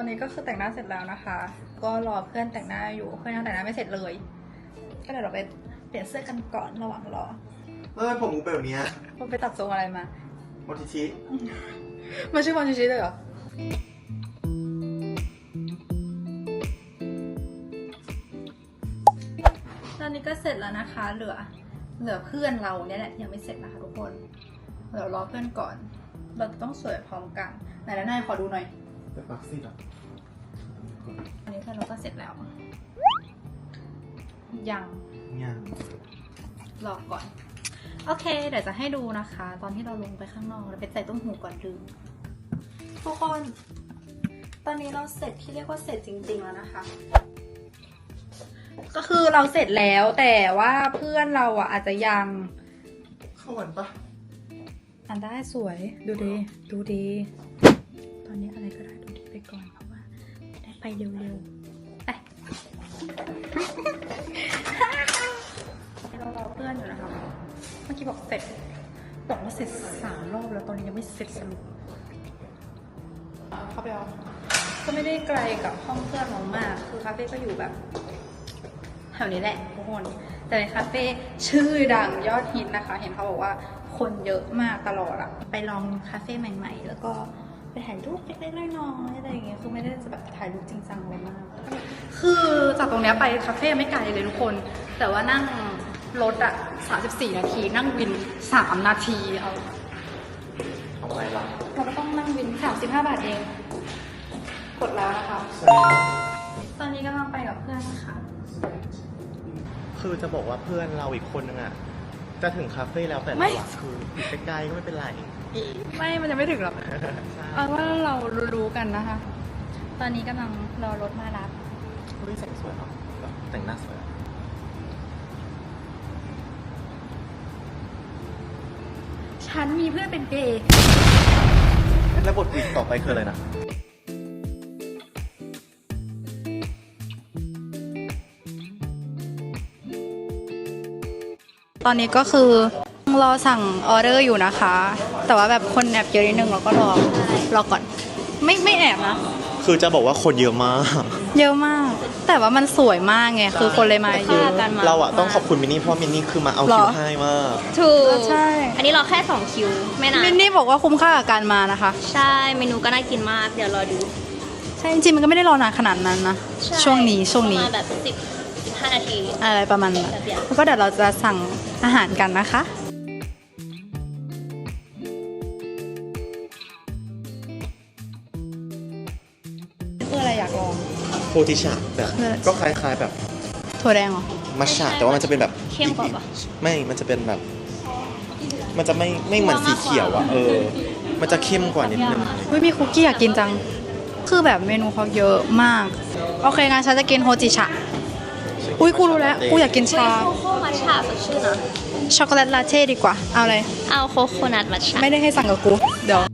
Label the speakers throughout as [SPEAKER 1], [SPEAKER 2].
[SPEAKER 1] นี้ก็คือแต่งหน้าเสร็จแล้วนะคะ ก็รอเพื่อนแต่งหน้าอยู่เพื่อนยังแต่งหน้าไม่เสร็จเลยก็เดี๋ยวเราไปเปลี่ยนเสื้อกันก่อนระหว่างรอ
[SPEAKER 2] ผมกูเป็นแบบนี้
[SPEAKER 1] มันไปตัดทรงอะไรมา
[SPEAKER 2] โมทิชิ
[SPEAKER 1] มันชื่อมอนชิชิเลยเหรอตอนนี้ก็เสร็จแล้วนะคะเหลือเพื่อนเราเนี่ยแหละยังไม่เสร็จนะคะทุกคนเดี๋ยวรอเพื่อนก่อนเราต้องสวยพร้อมกันไหนแล้วนายขอดูหน่อย
[SPEAKER 2] แต่ฟักซี่อ่ะ
[SPEAKER 1] อันนี้เพื่อนเราก็เสร็จแล้วยังรอก่อนโอเคเดี๋ยวจะให้ดูนะคะ ตอนที่เราลงไปข้างนอกเราไปใส่ต้มหูก่อนลืมทุกคนตอนนี้เราเสร็จที่เรียกว่าเสร็จจริงๆแล้วนะคะก็คือเราเสร็จแล้วแต่ว่าเพื่อนเราอ่ะอาจจะยัง
[SPEAKER 2] เข้าวันปะ
[SPEAKER 1] อันได้สวยดูดีตอนนี้อะไรก็ได้ดูดีไปก่อนเพราะว่าได้ไปเร็วๆไปเรารอเพื่อนอยู่นะคะเมื่อกี้บอกเสร็จบอกว่าเสร็จ3 รอบแล้วตอนนี้ยังไม่เสร็จสรุปเข้าไปเอาก็ไม่ได้ไกลกับห้องเพื่อนเรามากคือคาเฟ่ก็อยู่แบบแถวนี้แหละทุกคนแต่เป็นคาเฟ่ชื่อดังยอดฮิตนะคะเห็นเขาบอกว่าคนเยอะมากตลอดอะไปลองคาเฟ่ใหม่ๆแล้วก็ไปถ่ายรูปเล็กๆน้อยๆอะไรอย่างเงี้ยคือไม่ได้จะแบบถ่ายรูปจริงจังอะไรมากคือจากตรงเนี้ยไปคาเฟ่ไม่ไกลเลยทุกคนแต่ว่านั่งรถอะ34 นาทีนั่งวิน3 นาทีเอา
[SPEAKER 2] อะไรล่ะ
[SPEAKER 1] เราก็ต้องนั่งวิน35 บาทเองกดแล้วนะคะตอนนี้กำลังไปกับเพื่อนนะคะ
[SPEAKER 2] คือจะบอกว่าเพื่อนเราอีกคนนึงอ่ะจะถึงคาเฟ่แล้วแต่เราคืออยู่ใกล้ๆก็ไม่เป็นไร
[SPEAKER 1] ไม่มันยังไม่ถึงหรอกเอาว่าเรารู้กันนะคะ ตอนนี้กำลังรอรถมารับ
[SPEAKER 2] เฮ้ยแต่งสวยเนาะแต่งหน้าสวย
[SPEAKER 1] ฉันมีเพื่อนเป็นเกย์
[SPEAKER 2] แล้วบทอีกต่อไปคืออะไรนะ
[SPEAKER 1] ตอนนี้ก็คือรอสั่งออเดอร์อยู่นะคะแต่ว่าแบบคนแอบเยอะนิดนึงเราก็รอก่อนไม่แอบนะ
[SPEAKER 2] คือจะบอกว่าคนเยอะมาก
[SPEAKER 1] แต่ว่ามันสวยมากไงคือคนเลยมาเยอะกันมา
[SPEAKER 2] เราอะต้องขอบคุณมินนี่เพราะมินนี่คือมาเอาคิวให้มาก
[SPEAKER 3] ถูก
[SPEAKER 1] ใช่
[SPEAKER 3] อันนี้รอแค่2 คิวไม่นาน
[SPEAKER 1] มินนี่บอกว่าคุ้มค่ากับการมานะคะ
[SPEAKER 3] ใช่เมนูก็น่ากินมากเดี๋ยวรอดู
[SPEAKER 1] ใช่จริงๆมันก็ไม่ได้รอนานขนาดนั้นนะช่วงนี้
[SPEAKER 3] ประมาณแบบ10-15 นาที
[SPEAKER 1] อะไรประมาณนั้นแล้วก็เดี๋ยวเราจะสั่งอาหารกันนะคะคืออะไรอยากลอง
[SPEAKER 2] โพธิชาแบบก็คล้ายๆแบบ
[SPEAKER 1] ถั่วแดงเหรอ
[SPEAKER 2] มัชชาแต่ว่ามันจะเป็นแบบ
[SPEAKER 3] เข้มกว่าปะ
[SPEAKER 2] ไม่มันจะเป็นแบบมันจะไม่เหมือนสีเขียวอ่ะมันจะเข้มกว่านิดนึง
[SPEAKER 1] มีคุกกี้อยากกินจังคือแบบเมนูเขาเยอะมากโอเคงั้นฉันจะกินโฮจิชะกูรู้แล้วกูอยากกินชา
[SPEAKER 3] โคโค่มัทฉะสดชื่นนะ
[SPEAKER 1] ช็อกโกแลตลาเต้ดีกว่าเอาอะไร
[SPEAKER 3] เอาโคโคนัทมัทฉะ
[SPEAKER 1] ไม่ได้ให้สั่งกับกูเดี๋ยว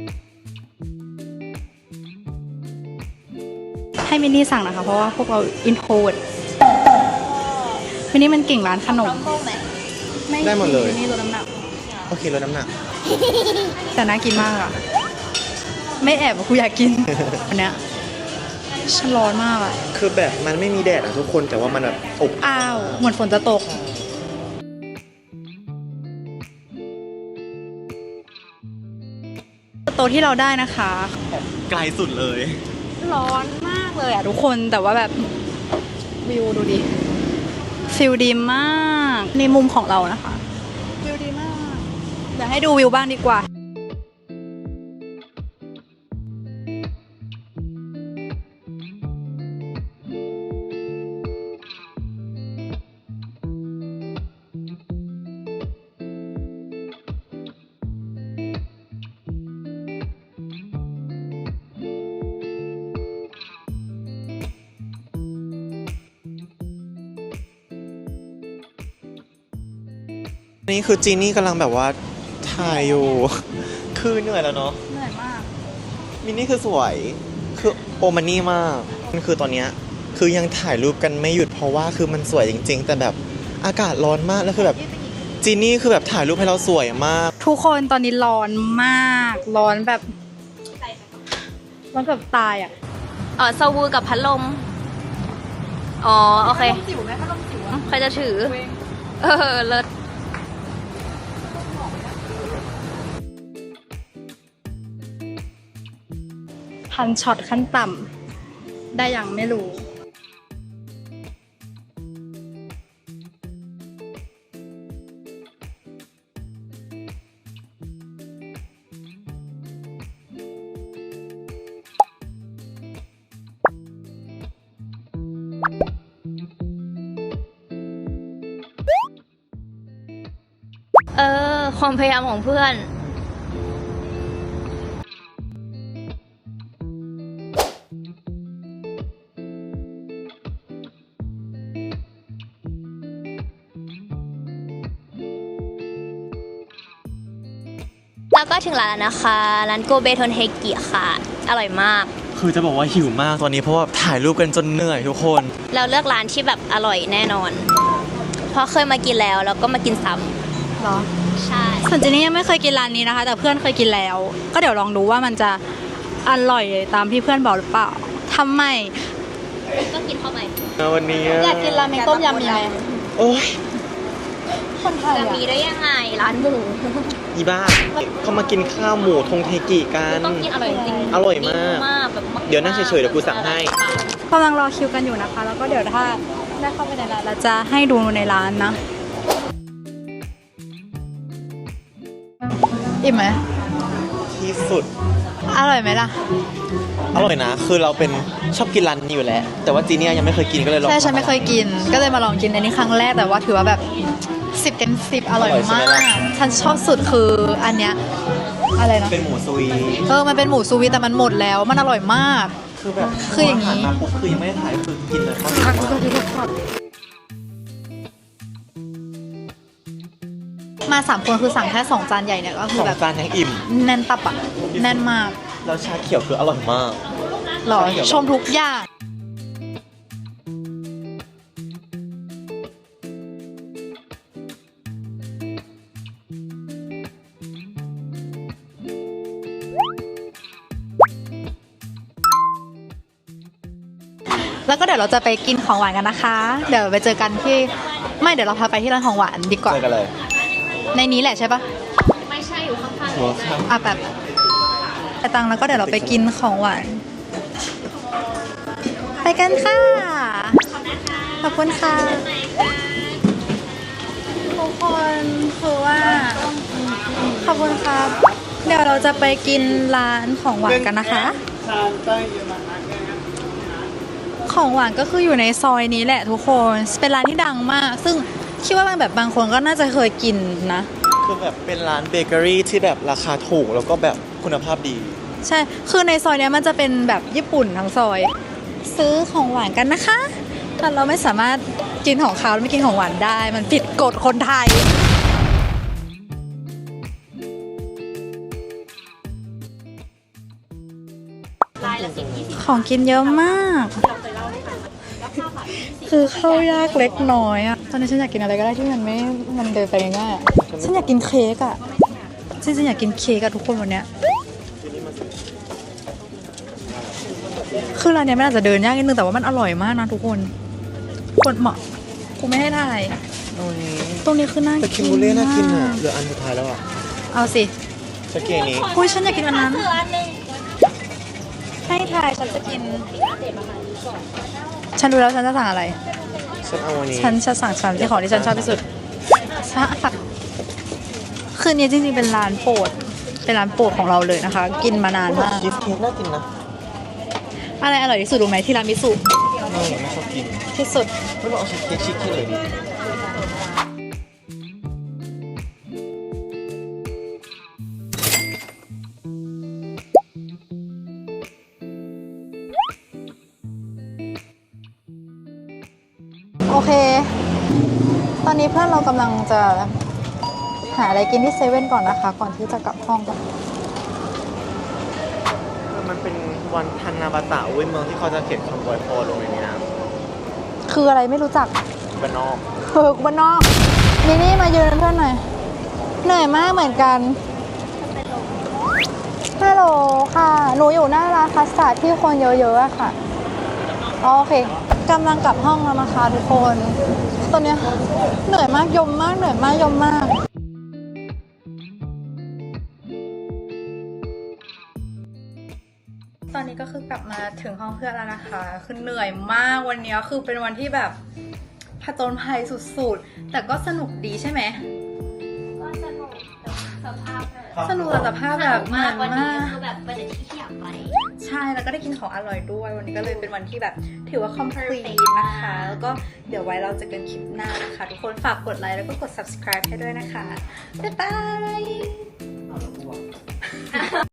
[SPEAKER 1] ให้มินนี่สั่งนะคะเพราะว่าพวกเราอินโทรดมินนี่มันเก่งร้านขนม
[SPEAKER 2] ไม่ได้หมดเลย
[SPEAKER 1] มินนี่ลดน้ำหนัก
[SPEAKER 2] โอเคลดน้ำหนัก
[SPEAKER 1] แต่น่ากินมากอ่ะไม่แอบกูอยากกินอันเนี้ยฉันร้อนมากอ่ะ
[SPEAKER 2] คือแบบมันไม่มีแดดอ่ะทุกคนแต่ว่ามันแบบอบ
[SPEAKER 1] อ้าวเหมือนฝนจะตกโต๊ะที่เราได้นะคะ
[SPEAKER 2] ไกลสุดเลย
[SPEAKER 1] ร้อนมากเลยอ่ะทุกคนแต่ว่าแบบวิวดูดิฟิลดีมากในมุมของเรานะคะวิวดีมากเดี๋ยวให้ดูวิวบ้างดีกว่า
[SPEAKER 2] นี่คือจีนี่กำลังแบบว่าถ่ายอยู่คือเหนื่อยแล้วเนาะ
[SPEAKER 1] เหนื่อยมาก
[SPEAKER 2] มินนี่คือสวยคือโอมันนี่มากมันคือตอนเนี้ยคือยังถ่ายรูปกันไม่หยุดเพราะว่าคือมันสวยจริงๆแต่แบบอากาศร้อนมากแล้วคือแบบจีนี่คือแบบถ่ายรูปให้เราสวยมาก
[SPEAKER 1] ทุกคนตอนนี้ร้อนมากร้อนแบบตายอ่ะ
[SPEAKER 3] อ๋อซาวูกับพัดลม อ๋อ โอเค
[SPEAKER 1] จิ๋วไหมพัดลมจิ๋ว
[SPEAKER 3] ใครจะถือ เลิศ
[SPEAKER 1] พันช็อตขั้นต่ำได้ยังไม่รู้
[SPEAKER 3] ความพยายามของเพื่อน แล้วก็ถึงร้านแล้วนะคะ ร้านโกเบทนเฮกิค่ะ อร่อยมาก
[SPEAKER 2] คือจะบอกว่าหิวมากตอนนี้เพราะว่าถ่ายรูปกันจนเหนื่อยทุกคน
[SPEAKER 3] เราเลือกร้านที่แบบอร่อยแน่นอน เพราะเคยมากินแล้วก็มากินซ้
[SPEAKER 1] เหรอ
[SPEAKER 3] ำใช่
[SPEAKER 1] ส่วนเจนนี่ยังไม่เคยกินร้านนี้นะคะ แต่เพื่อนเคยกินแล้ว ก็เดี๋ยวลองดูว่ามันจะอร่อยตามที่เพื่อนบอกหรือเปล่าทำไม
[SPEAKER 3] ก็กินเข้าไป
[SPEAKER 2] วันนี้
[SPEAKER 1] อยากกินราเมงต้มยำมีไหม
[SPEAKER 2] โอ้ย
[SPEAKER 1] คนไทย
[SPEAKER 3] จะ
[SPEAKER 1] อะ
[SPEAKER 3] มีได้ยังไงร้านหมู
[SPEAKER 2] อีบ้าเขามากินข้าวหมูทงเทกิกัน
[SPEAKER 3] ต้องกินอร่อยจริง
[SPEAKER 2] อร่อยมาก
[SPEAKER 3] แบบมาก
[SPEAKER 2] เดี๋ยวนั่งเฉยๆเดี๋ยวกูสั่งให้
[SPEAKER 1] กำลังรอคิวกันอยู่นะคะ แล้วก็เดี๋ยวถ้าได้เข้าไปในร้านเราจะให้ดูในร้านนะอิ่มไหม
[SPEAKER 2] ที่สุด
[SPEAKER 1] อร่อยไหมล่ะ
[SPEAKER 2] อร่อยนะ คือเราเป็นชอบกินร้านนี้อยู่แล้ว แต่ว่าจีเนียยังไม่เคยกินก็เลยลอง
[SPEAKER 1] ใช่ฉันไม่เคยกิน ก็เลยมาลองกินในนี้ครั้งแรกแต่ว่าถือว่าแบบ10 เต็ม 10อร่อยมาก ฉันชอบสุดคืออันเนี้ยอะไรนะ
[SPEAKER 2] เป็นหมูซุย
[SPEAKER 1] มันเป็นหมูซูวีแต่มันหมดแล้วมันอร่อยมาก
[SPEAKER 2] คือแบบ
[SPEAKER 1] คืออย่างนี้
[SPEAKER 2] นี้มาปุ๊บคือยังไม่ได้ถ่ายคือกินเลย
[SPEAKER 1] มา3 คนคือสั่งแค่2 จานใหญ่เนี่ยก็คื
[SPEAKER 2] ส
[SPEAKER 1] อ
[SPEAKER 2] อง
[SPEAKER 1] แบบ
[SPEAKER 2] จานยังอิ่ม
[SPEAKER 1] แน่นตับอ่ะแน่นมาก
[SPEAKER 2] แล้วชาเขียวคืออร่อยมาก
[SPEAKER 1] หรอชมทุกอย่างแล้วก็เดี๋ยวเราจะไปกินของหวานกันนะคะ เดี๋ยวไปเจอกันที่ไม่เดี๋ยวเราพาไปที่ร้านของหวานดีกว่า
[SPEAKER 2] เจอกันเลย
[SPEAKER 1] ในนี้แหละใช่ปะ
[SPEAKER 3] ไม่ใช่อยู่ข้างๆ
[SPEAKER 2] หัวข้าว
[SPEAKER 1] แบบไปตังค์แล้วก็เดี๋ยวเราไปกินของหวาน ไปกันค่ะ ขอบคุณค่ะทุกคนคือว่าขอบคุณครับ เดี๋ยวเราจะไปกินร้านของหวานกันนะคะ ของหวานก็คืออยู่ในซอยนี้แหละทุกคน เป็นร้านที่ดังมาก ซึ่งคิดว่าบางคนก็น่าจะเคยกินนะ
[SPEAKER 2] คือแบบเป็นร้านเบเกอรี่ที่แบบราคาถูกแล้วก็แบบคุณภาพดี
[SPEAKER 1] ใช่ คือในซอยเนี้ยมันจะเป็นแบบญี่ปุ่นทั้งซอย ซื้อของหวานกันนะคะ แต่เราไม่สามารถกินของคาวแล้วไม่กินของหวานได้ มันผิดกฎคนไทย
[SPEAKER 3] ลายละ10-20
[SPEAKER 1] ของกินเยอะมาก คือเข้ายากเล็กน้อยอะตอนนี้ฉันอยากกินอะไรก็ได้ที่มันเดินไปง่ายๆอะฉันอยากกินเค้กอะฉันอยากกินเค้กอะทุกคนวันเนี้ย คือร้านเนี้ยมันอาจจะเดินยากนิดนึงแต่ว่ามันอร่อยมากนะทุกคน คนเหมาะกูไม่ให้ถ่าย ตรงนี้คือน่า
[SPEAKER 2] แต่
[SPEAKER 1] กิ
[SPEAKER 2] คิ
[SPEAKER 1] น
[SPEAKER 2] มบูเล่น่ากินอ่ะ
[SPEAKER 1] มาก
[SPEAKER 2] เหลืออันสุดท้ายแล้วอ่ะ
[SPEAKER 1] เอาสิ
[SPEAKER 2] ชาเกนี้
[SPEAKER 1] อุ้ยฉันอยากกินอันนั้น ให้ถ่ายฉันจะกิน ฉันรู้แล้วฉันจะสั่งอะไร
[SPEAKER 2] ฉันเอาอันนี้
[SPEAKER 1] ฉันจะสั่งชามที่ของที่ฉันชอบที่สุดใช่ค่ะคืนนี้จริงๆเป็นร้านโปรด เป็นร้านโปรดของเราเลยนะคะ กินมานานมาก
[SPEAKER 2] ชีสเค้กน่ากินนะ
[SPEAKER 1] อะไรอร่อยที่สุดรู้ไหมที่ร้านมิสุ
[SPEAKER 2] ไม่ชอบกิน
[SPEAKER 1] ที่สุด
[SPEAKER 2] ไม่ลองเอาชีสเค้กเลยดิ
[SPEAKER 1] โอเค ตอนนี้เพื่อนเรากำลังจะหาอะไรกินที่เซเว่นก่อนนะคะ ก่อนที่จะกลับห้องกัน
[SPEAKER 2] มันเป็นวันทันนาบาตะเว้ยเมืองที่เขาจะเขียนคำอวยพรลงในนี้นะ
[SPEAKER 1] คืออะไรไม่รู้จัก
[SPEAKER 2] บ้านนอก
[SPEAKER 1] บ้านนอกนี่มายืนเป็นเพื่อนหน่อย เหนื่อยมากเหมือนกันฮัลโหลค่ะ หนูอยู่หน้าร้านคัสตาร์ดที่คนเยอะๆอะค่ะโอเคกำลังกลับห้องแล้วนะคะทุกคน ตอนเนี้ยเหนื่อยมากยมมากเหนื่อยมากยมมาก ตอนนี้ก็คือกลับมาถึงห้องเพื่อนแล้วนะคะ คือเหนื่อยมากวันนี้คือเป็นวันที่แบบผจญภัยสุดๆ แต่ก็สนุกดีใช่ไหม
[SPEAKER 3] ก็สนุกแต่สภาพ
[SPEAKER 1] สนุกแต่สภาพแบบเหมือน
[SPEAKER 3] วันนี้
[SPEAKER 1] มาก
[SPEAKER 3] คือแบบไปแต่ที่อยากไป
[SPEAKER 1] ใช่ แล้วก็ได้กินของอร่อยด้วย วันนี้ก็เลยเป็นวันที่แบบถือว่า complete นะคะ แล้วก็เดี๋ยวไว้เราจะกันคลิปหน้านะคะ ทุกคนฝากกดไลค์แล้วก็กด subscribe ให้ด้วยนะคะ บ๊ายบาย